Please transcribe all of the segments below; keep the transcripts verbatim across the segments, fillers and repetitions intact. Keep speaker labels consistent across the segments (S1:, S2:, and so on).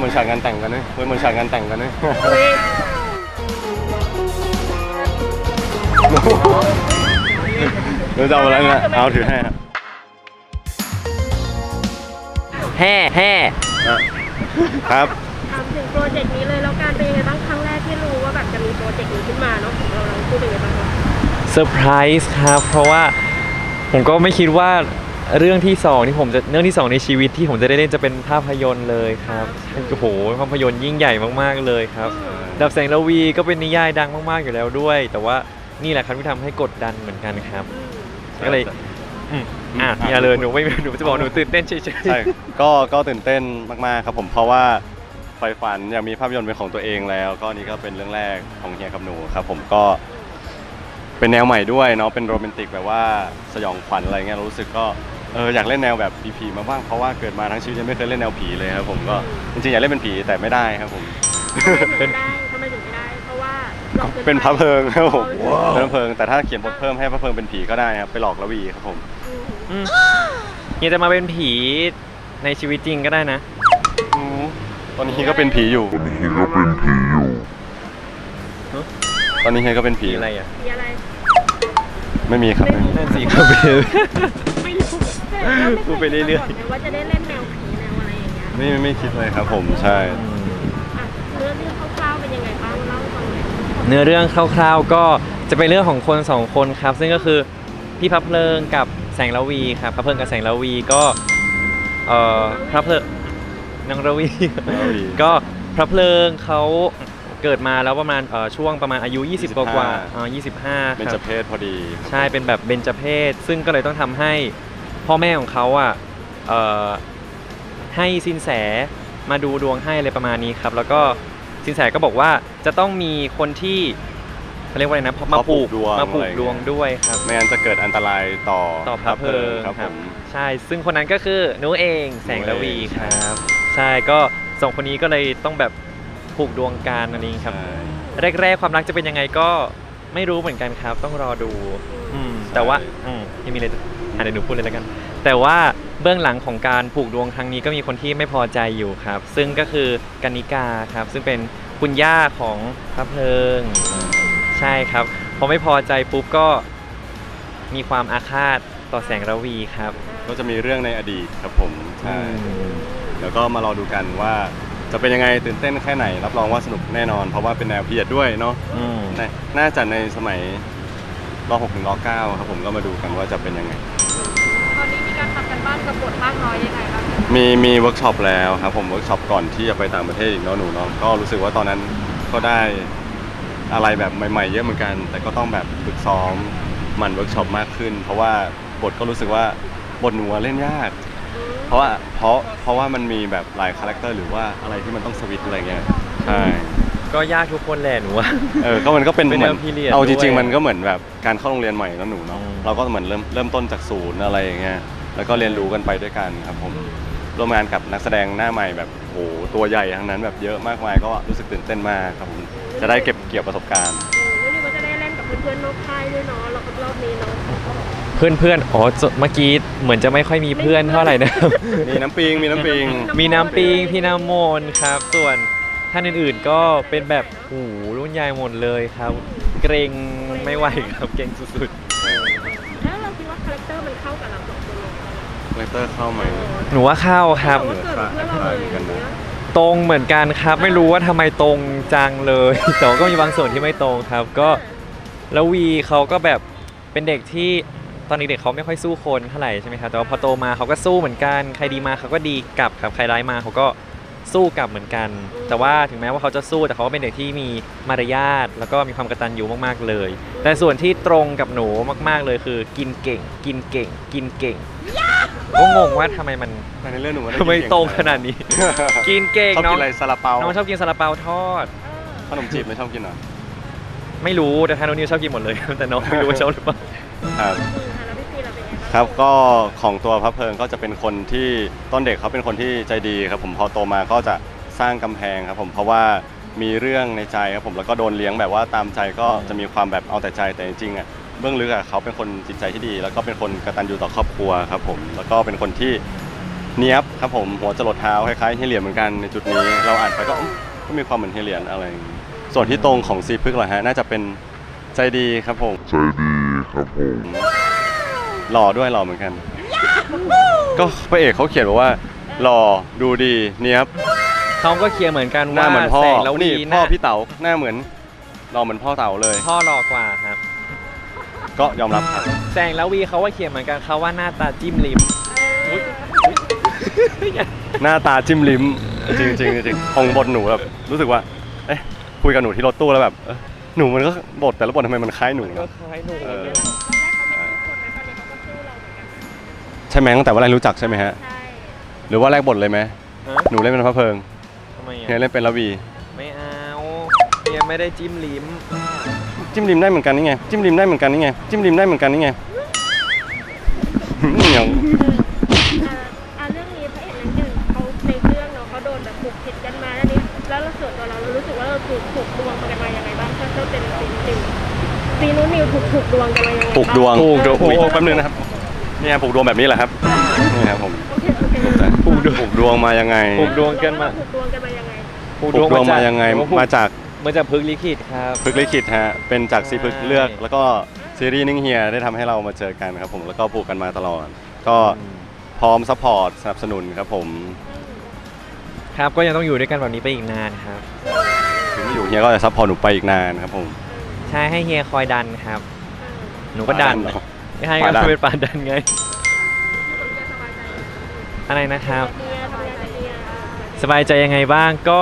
S1: มือนฉากงานแต่งกันเลยเหมือนฉากงานแต่งกันเลยเราจะเอาอะไรเนี่ยเอาถือให้ครับ
S2: แห่แห่
S1: ครับ
S3: ถามถึงโปรเจกต์นี้เลยแล้วการเป็นยังไงบ้างครั้งแรกที่รู้ว่าแบบจะมีโปรเจกต์นี้ขึ้นมาเนาะของเราเราพูดเป็นยังไงบ้างคะ
S2: เซอร์ไพรส์ครับเพราะว่าผมก็ไม่คิดว่าเรื่องที่สองที่ผมจะเรื่องที่สองในชีวิตที่ผมจะได้เล่นจะเป็นภาพยนตร์เลยครับโอ้โหภาพยนตร์ยิ่งใหญ่มากๆเลยครับดับแสงระวีก็เป็นนิยายดังมากๆอยู่แล้วด้วย แต่ว่านี่แหละครับที่ทำให้กดดันเหมือนกันครับก็เลยอ่ะอย่าเลยหนูไม่หนูจะบอกหนูตื่นเต้นเฉยๆ
S1: ใช่ก็ก็ตื่นเต้นมากๆครับผมเพราะว่าไฟฝันอยากมีภาพยนตร์เป็นของตัวเองแล้วก็นี่ก็เป็นเรื่องแรกของเฮียกับหนูครับผมก็เป็นแนวใหม่ด้วยเนาะเป็นโรแมนติกแบบว่าสยองขวัญอะไรเงี้ยรู้สึกก็เอออยากเล่นแนวแบบผีๆมาบ้างเพราะว่าเกิดมาทั้งชีวิตยังไม่เคยเล่นแนวผีเลยครับผมก็จริงๆอยากเล่นเป็นผีแต่ไม่ได้ครับผม
S3: เป็นได้ทำไมถึงไม่ได้เพราะว่า
S1: เป็นพระเพลิงครับผมเป็นพระเพลิงแต่ถ้าเขียนบทเพิ่มให้พระเพลิงเป็นผีก็ได้ครับไปหลอกละวีครับผม
S2: เฮียจะมาเป็นผีในชีวิตจริงก็ได้นะ
S1: ตอนนี้ก็เป็นผีอยู่ตอนนี้ก็เป็นผีอยู่ตอนนี้เฮียก็เป็นผี
S2: อะไรอ่ะ
S3: ผีอะไร
S1: ไม่มีครับ
S2: นั่นสิครับ
S3: ไม่รู้
S2: พูดไปเรื่อย
S3: ๆว่าจะได้เล่นแนวผีแนวอะไรอย่างเงี้ย
S1: ไม่ไม่คิดเลยครับผมใช่
S3: เนื้อเรื่องคร่าวๆเป็นยังไงบ้างเล่าให้ฟังหน่อย
S2: เนื้อเรื่องคร่าวๆก็จะเป็นเรื่องของคนสองคนครับซึ่งก็คือพี่พระเพลิงกับแสงระวีครับพระเพลิงกับแสงระวีก็เอ่อพระเพลิงนางระวีก็พระเพลิงเขาเกิดมาแล้วประมาณช่วงประมาณอายุยี่สิบกว่าๆอ๋อยี่สิบห้าครับ
S1: เป็นเจเพศพอดี
S2: ใช่เป็นแบบเบญจเพศซึ่งก็เลยต้องทำให้พ่อแม่ของเขาอ่ะให้สินแสมาดูดวงให้อะไรประมาณนี้ครับแล้วก็สินแสก็บอกว่าจะต้องมีคนที่เขาเรียกว่าอะไรนะมาผูกมาผูกดวงด้วยครับ
S1: ไม่งั้นจะเกิดอันตรายต่อ
S2: ต่อพระเพลิงครับใช่ซึ่งคนนั้นก็คือหนูเองแสงระวีครับใช่ก็สองคนนี้ก็เลยต้องแบบผูกดวงกันอันนี้ครับแรกๆความรักจะเป็นยังไงก็ไม่รู้เหมือนกันครับต้องรอดูแต่ว่าที่มีอะไรอ่ะเดี๋ยวหนูพูดเลยแล้วกันแต่ว่าเบื้องหลังของการผูกดวงครั้งนี้ก็มีคนที่ไม่พอใจอยู่ครับซึ่งก็คือกนิกาครับซึ่งเป็นคุณย่าของพระเพลิงใช่ครับพอไม่พอใจปุ๊บก็มีความอาฆาตต่อแสงระวีครับ
S1: ก็จะมีเรื่องในอดีตครับผมใช่แล้วก็มารอดูกันว่าจะเป็นยังไงตื่นเต้นแค่ไหนรับรองว่าสนุกแน่นอนเพราะว่าเป็นแนวพีเรียดด้วยเนาะน่าจะในสมัยรอหกถึงรอเก้าครับผมก็มาดูกันว่าจะเป็นยังไง
S3: ตอนนี้มีการทำกันบ้านกับบทมากน้อยยังไงบ้าง
S1: มีมีเวิร์กช็อปแล้วครับผมเวิร์กช็อปก่อนที่จะไปต่างประเทศอีกเนาะหนูเนาะก็รู้สึกว่าตอนนั้นก็ได้อะไรแบบใหม่ๆเยอะเหมือนกันแต่ก็ต้องแบบฝึกซ้อมมันเวิร์กช็อปมากขึ้นเพราะว่าบทก็รู้สึกว่าบทหนูเล่นยากเพราะว่าเพราะเพราะว่ามันมีแบบหลายคาแรคเตอร์หรือว่าอะไรที่มันต้องสวิตช์อะไรเงี้ยใช่
S2: ก็ยากทุกคนแหละหนูว่า
S1: เออก็มันก็เป็นเหมือนเอาจริงๆมันก็เหมือนแบบการเข้าโรงเรียนใหม่แล้วหนูเนาะเราก็เหมือนเริ่มเริ่มต้นจากศูนย์อะไรอย่างเงี้ยแล้วก็เรียนรู้กันไปด้วยกันครับผมร่วมงานกับนักแสดงหน้าใหม่แบบโหตัวใหญ่ทั้งนั้นแบบเยอะมากมายก็รู้สึกตื่นเต้นมากครับผมจะได้เก็บเกี่ยวประสบการณ์
S3: วันนี้ก็จะได้เล่นกับเพื่อนๆนอกค่ายด้วยเนาะเรารอบนี้เนาะ
S2: เพื่อนเพื่อนอ๋อเมื่อกี้เหมือนจะไม่ค่อยมีเพื่อนเท่าไหร่นะ
S1: มีน้ำปิงมีน้ำปิง
S2: มีน้ำปิงพี่น้ำมนครับส่วนท่านอื่นๆก็เป็นแบบโอ้โหรุ่นใหญ่หมดเลยครับเกรงไม่ไหวครับเกรงสุด
S3: ๆแล้วเราคิดว่าคาแรคเตอร์มันเข้ากับเราสองคน
S1: คาแรคเตอร์เข้าไหม
S2: หนูว่าเข้าครับตรงเหมือนกันครับไม่รู้ว่าทำไมตรงจังเลยแต่ก็มีบางส่วนที่ไม่ตรงครับก็แล้ววีเขาก็แบบเป็นเด็กที่ตอนเด็กๆเขาไม่ค่อยสู้คนเท่าไหร่ใช่ไหมครับแต่ว่าพอโตมาเขาก็สู้เหมือนกันใครดีมาเขาก็ดีกลับครับใครร้ายมาเขาก็สู้กลับเหมือนกันแต่ว่าถึงแม้ว่าเขาจะสู้แต่เขาก็เป็นเด็กที่มีมารยาทแล้วก็มีความกตัญญูมากๆเลยแต่ส่วนที่ตรงกับหนูมากๆเลยคือกินเก่งกินเก่งกินเก่งก็งงว่าทำไมมัน
S1: ในเรื่องหนู
S2: ทำไมตรงขนาดนี้กินเก่ง
S1: เนาะชอบกินอะไรซาลาเปา
S2: น้องชอบกินซาลาเปาทอด
S1: ขนมจีบไม่ชอบกินหรอ
S2: ไม่รู้แต่ทางน้องนิวชอบกินหมดเลยแต่น้องไม่รู้ว่าชอบหรือเปล่า
S1: ครับครับก็ของตัวพระเพลิงก็จะเป็นคนที่ต้นเด็กเขาเป็นคนที่ใจดีครับผมพอโตมาก็จะสร้างกำแพงครับผมเพราะว่ามีเรื่องในใจครับผมแล้วก็โดนเลี้ยงแบบว่าตามใจก็จะมีความแบบเอาแต่ใจแต่จริงๆอ่ะเบื้องลึกอ่ะเขาเป็นคนจิตใจที่ดีแล้วก็เป็นคนกตัญญูต่อครอบครัวครับผมแล้วก็เป็นคนที่เนียบครับผมหัวจรดเท้าคล้ายๆเฮเลียนเหมือนกันในจุดนี้เราอ่านไปก็อุ๊ยก็มีความเหมือนเฮเลียนอะไรอย่างงี้ส่วนที่ตรงของซีพึกเหรอฮะน่าจะเป็นใจดีครับผม
S4: ใจดีครับผม
S1: หล่อด้วยหล่อเหมือนกัน ก็พระเอกเขาเขียนบอกว่าหล่อดูดีเนียบ
S2: เขาก็เคลียร์เหมือนกัน
S1: หน้า
S2: ว่า
S1: เหมือนพ่อ
S2: แสงระวี
S1: นี่
S2: ห
S1: พ่อ
S2: น้า
S1: พี่เต๋าหน้าเหมือนหล่อเหมือนพ่อเต๋าเลย
S2: พ่อหล่อกว่าครับ
S1: ก็ยอมรับครับ
S2: แสงระวีเขาว่าเขียนเหมือนกันเขาว่าหน้าตาจิ้มลิ้ม
S1: หน้าตาจิ้มลิ้มจริงๆจริงๆจริงๆของบทหนูแบบรู้สึกว่าเอ๊ะคุยกับหนูที่รถตู้แล้วแบบเอ๊ะหนูมันก็บทแต่ละบททำไมมันคล้ายหนู
S2: ก็
S1: นะ
S2: คล้ายหนู
S1: เออ
S3: ตอนแรกเขาไม่รู้คนนะตอนนี้เขาก็สู้เราเหมือนกัน
S1: ใช่ไหมตั้งแต่ว่าแรกรู้จักใช่ไหมฮะ
S3: ใช่
S1: หรือว่าแรกบทเลยไหม
S2: ฮะ
S1: หนูเล่นเป็นพระเพลิง
S2: ทำไม
S1: เฮีย
S2: อ่ะ
S1: เล่นเป็นระวี
S2: ไม่เอาเฮียไม่ได้จิ้มลิ้ม
S1: จิ้มริมได้เหมือนกันนี่ไงจิ้มริมได้เหมือนกันนี่ไงจิ้มริมได้เหมือนกันนี่ไงเหนียว
S3: เอ่ออ่ะเรื่องนี้พระเอกนางเอกเขาในเรื่องเนาะเขาโดนแบบผูกผิดกันมาแล้วนี้แล้วเราส่วนตัวเราเรารู้สึกว่าเราถูกผูกดวงกันมายังไงบ้างถ้าเจ้าเป็นซีนิวซีนูนิวถูกผูกดวงกันมายังไงบ้าง
S1: ปลูกดวง
S2: ปลูกดวง
S1: โอ้โหแป๊บนึงนะครับเนี่ยปลูกดวงแบบนี้แหละครับนี่ครับผม
S3: โอเคโอเค
S1: ปลูกดวงปลูกดวงมายังไง
S2: ผูกดวงกันมา
S3: ผูกดวงกันมายังไง
S1: ปลูกดวงมายังไงมาจาก
S2: มาจากพึกษ์ลิขิตครับ
S1: พึกษ์ลิขิตฮะเป็นจากซีพึกษ์เลือก
S2: ใช่
S1: แล้วก็ซีรีส์นิ่งเฮียได้ทำให้เรามาเจอกันครับผมแล้วก็ปลูกกันมาตลอด ก็พร้อมซัพพอร์ตสนับสนุนครับผม
S2: ครับก็ยังต้องอยู่ด้วยกันแบบนี้ไปอีกนานครับ
S1: ถึงไม่อยู่เฮียก็จะซัพพอร์ตหนูไปอีกนานครับผม
S2: ใช่ให้เฮียคอยดันครับ หนูก็ดัน
S1: เหรอ
S2: ไม่ให้
S1: ปา
S2: ก็
S1: ดัน
S2: เป็นปาดันไง อะไรนะครับ
S3: เฮียทำงานกับเฮีย
S2: สบายใจยังไงบ้างก็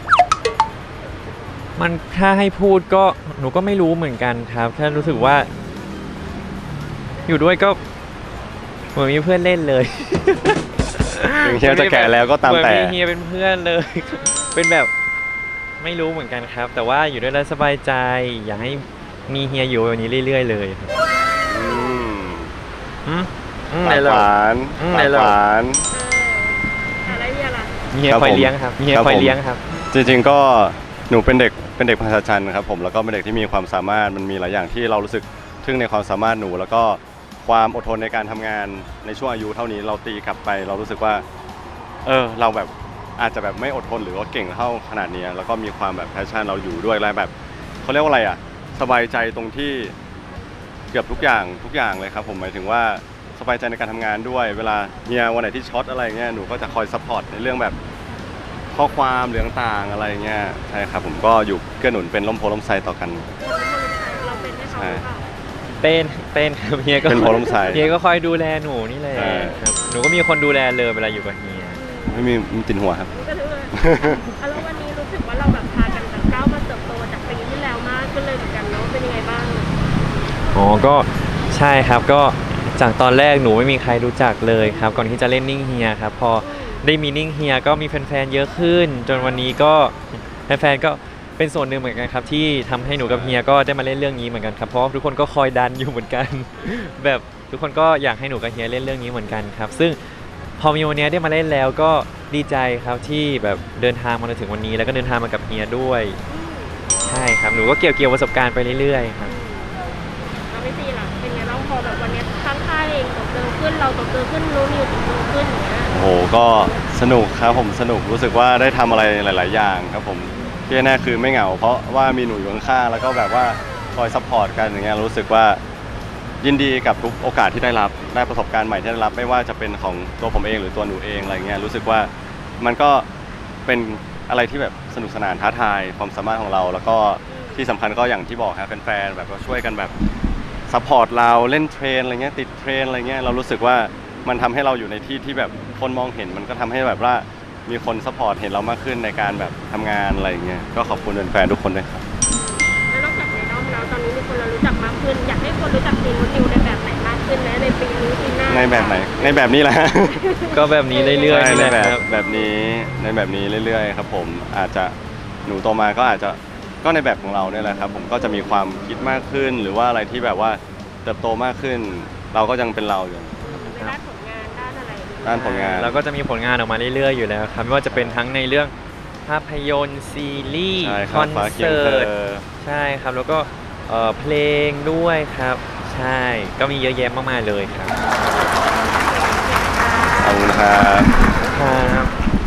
S2: มันถ้าให้พูดก็หนูก็ไม่รู้เหมือนกันครับแค่รู้สึกว่า อยู่ด้วยก็เหมือนมีเพื่อนเล่นเลย
S1: ถึงเฮียจะแก่แล้วก็ตามแต่
S2: เหอนมีเฮียเป็นเพื่อนเลย เป็นแบบไม่รู้เหมือนกันครับ แต่ว่าอยู่ด้วยแล้วสบายใจ อยากให้มีเฮียอยู่แบบนี้เรื่อย ๆ เลยครับ
S1: อืม
S2: อืมอืม
S1: ปา
S2: ไหน
S1: ก
S2: เรา
S1: หวาน
S2: อืม
S1: ปาก
S2: ไหนเรา
S1: หวาน
S3: เอออะไรเฮียล่ะ
S2: เฮีย
S1: ครับ
S2: คอย
S1: ผม
S2: เลี้ยงครับเฮีย
S1: ครับ
S2: คอย
S1: ผม
S2: เลี้ยงครับ
S1: จริงๆก็หนูเป็นเด็กเป็นเด็กภาษาจันทร์ครับผมแล้วก็เป็นเด็กที่มีความสามารถมันมีหลายอย่างที่เรารู้สึกทึ่งในความสามารถหนู แล้วก็ความอดทนในการทำงานในช่วงอายุเท่านี้เราตีกลับไป เรารู้สึกว่า เออเราแบบอาจจะแบบไม่อดทนหรือว่าเก่งเท่าขนาดนี้แล้วก็มีความแบบแพชชั่นเราอยู่ด้วยอะไรแบบเขาเรียกว่าอะไรอ่ะสบายใจตรงที่เกือบทุกอย่างทุกอย่างเลยครับผมหมายถึงว่าสบายใจในการทำงานด้วย เวลาเฮียวันไหนที่ช็อตอะไรเงี้ยหนูก็จะคอยซัพพอร์ตในเรื่องแบบข้อความหรือต่างๆอะไรเงี้ยใช่ครับผมก็อยู่เกื้อหนุนเป็นล่มโพล่มไทรต่อกัน
S3: เราเป็นให้เขาหรือเปล่า
S2: เป็นเป็นครับเฮียก็
S1: เป็นโพล่มไทร
S2: เฮียก็คอยดูแลหนูนี่แหละ
S1: ใช่
S2: ครับหนูก็มีคนดูแลเลยเวลาอยู่กับเฮีย
S1: ไม่มีมีตินหัวครับ
S3: ก็ถือว่าอ่ะแล้ววันนี้รู้สึกว่าเราแบบพากันแบบก้าวมาเติบโตจากปีที่แล้วมากขึ้นเลยเหมือนกันเนาะเป็นยังไงบ้าง
S2: อ๋อก็ใช่ครับก็จากตอนแรกหนูไม่มีใครรู้จักเลยครับก่อนที่จะเล่นนิ่งเฮียครับพอได้มีนิ่งเฮียก็มีแฟนๆเยอะขึ้น จนวันนี้ก็แฟนๆก็เป็นส่วนหนึ่งเหมือนกันครับที่ทำให้หนูกับเฮียก็ได้มาเล่นเรื่องนี้เหมือนกันครับเพราะว่าทุกคนก็คอยดันอยู่เหมือนกัน แบบทุกคนก็อยากให้หนูกับเฮียเล่นเรื่องนี้เหมือนกันครับซึ่งพอมีวันนี้ได้มาเล่นแล้วก็ดีใจครับที่แบบเดินทางมาถึงวันนี้แล้วก็เดินทางมากับเฮียด้วยใช่ครับหนูก็เกี่ยวเกี่ยวประสบการณ์ไปเรื่อยๆครับ
S3: เราไม่ตีหรอเป็นไงบ้างพอแบบวันนี้ทั้งค่ายเองตกเติมขึ้นเราตกเติมขึ้นรู้นิวตกเติมขึ้นอย่างเงี้ย
S1: โอ้โหก็สนุกครับผมสนุกรู้สึกว่าได้ทำอะไรหลาย ๆ อย่างครับผมที่แน่ๆคือไม่เหงา เพราะว่ามีหนูอยู่ข้างๆแล้วก็แบบว่าคอยซัพพอร์ตกันอย่างเงี้ยรู้สึกว่ายินดีกับทุกโอกาสที่ได้รับได้ประสบการณ์ใหม่ที่ได้รับไม่ว่าจะเป็นของตัวผมเองหรือตัวหนูเองอะไรเงี้ยรู้สึกว่ามันก็เป็นอะไรที่แบบสนุกสนานท้าทายความสามารถของเรา แล้วก็ที่สำคัญก็อย่างที่บอกครับแฟนๆแบบว่าช่วยกันแบบซัพพอร์ตเราเล่นเทรนอะไรเงี้ยติดเทรนอะไรเงี้ยเรารู้สึกว่ามันทำให้เราอยู่ในที่ที่แบบคนมองเห็นมันก็ทำให้แบบว่ามีคนซัพพอร์ตเห็นเรามากขึ้นในการแบบทำงานอะไรเงี้ยก็ขอบคุณแฟนๆทุกคนด้วยครับ
S3: แล้วนอกจากในด้อมแล้วตอนนี้มีคนเรารู้จักมากขึ้น อยากให้คนรู้จักซีนูนิวในแบบไหนมากขึ้นนะในปีนี้ปีหน้า
S1: ในแบบไหนในแบบนี้แหละ
S2: ก็แบบนี้เรื่อยๆ
S1: ใช่
S2: นี่
S1: ใน
S2: แหละ
S1: แบบ
S2: ครับ
S1: แบบนี้ในแบบนี้เรื่อยๆครับผมอาจจะหนูโตมาก็อาจจะก็ในแบบของเราเนี่ยแหละครับผมก็จะมีความคิดมากขึ้น หรือว่าอะไรที่แบบว่าเติบโตมากขึ้น เราก็ยังเป็นเราอยู่
S3: ในด้านผลงานด้านอะไร
S1: ด้านผลงาน
S2: เราก็จะมีผลงานออกมาเรื่อยๆอยู่แล้วครับไม่ว่าจะเป็นทั้งในเรื่องภาพยนตร์ซีรีส์
S1: ใช่ค
S2: ครับ อน
S1: ฟ้าเคียง
S2: เสิ
S1: เธ
S2: ร์ต
S1: อ
S2: ใช่ครับแล้วก็เอ่อเพลงด้วยครับ ใช่ก็มีเยอะแยะมากมายเลยครับ
S3: ข
S1: ขอบคุณครับ
S2: ครับ